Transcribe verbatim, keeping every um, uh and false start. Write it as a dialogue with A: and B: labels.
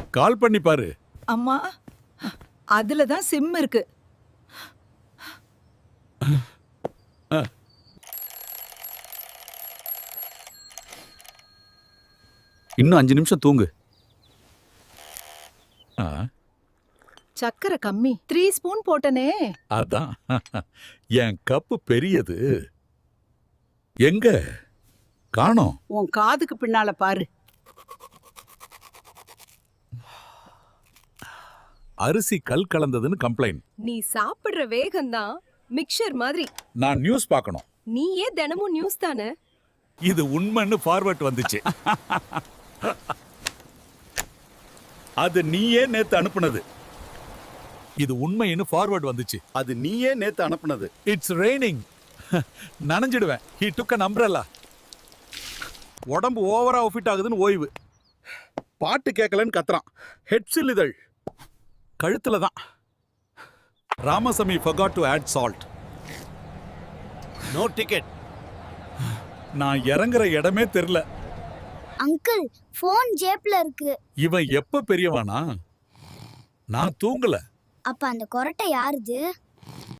A: கால் பண்ணி பாரு.
B: அம்மா, அதுல தான் சிம் இருக்கு.
A: இன்னும் அஞ்சு நிமிஷம் தூங்கு. ஆ,
B: சக்கரை கம்மி. த்ரீ ஸ்பூன் போட்டனே.
A: அதான் என் கப்பு பெரியது. எங்க காணோம்?
C: உன் காதுக்கு பின்னால பாரு.
A: அரிசி கல் கலந்ததுன்னு கம்ப்ளைண்ட்.
D: நீ சாப்பிடுற வேகம்தான் மிக்சர் மாதிரி.
A: நான் நியூஸ் பார்க்கணும்.
D: நீயே தினமும் நியூஸ் தானே.
A: இது உண்மைன்னு ஃபார்வர்ட் வந்துச்சு. அது நீயே நேத்து அனுப்புனது. இது உண்மைன்னு ஃபார்வர்ட் வந்துச்சு.
E: அது நீயே நேத்து அனுப்புனது.
A: It's raining. நனைஞ்சிடுவேன். He took an umbrella. உடம்பு ஓவரா ஃபிட் ஆகுதுன்னு ஓய்வு.
E: பாட்டு கேட்கலன்னு கத்துறான். ஹெட்ஸில் இதழ்
A: கழுத்துல தான். Ramasamy forgot to add salt.
E: No ticket.
A: நான் இறங்குற இடமே தெரியல.
F: அங்கிள் போன் ஜேப்ல இருக்கு.
A: இவன் எப்ப பெரியவானா? நான் தூங்கல.
F: அப்ப அந்த கொரட்டை யாருது?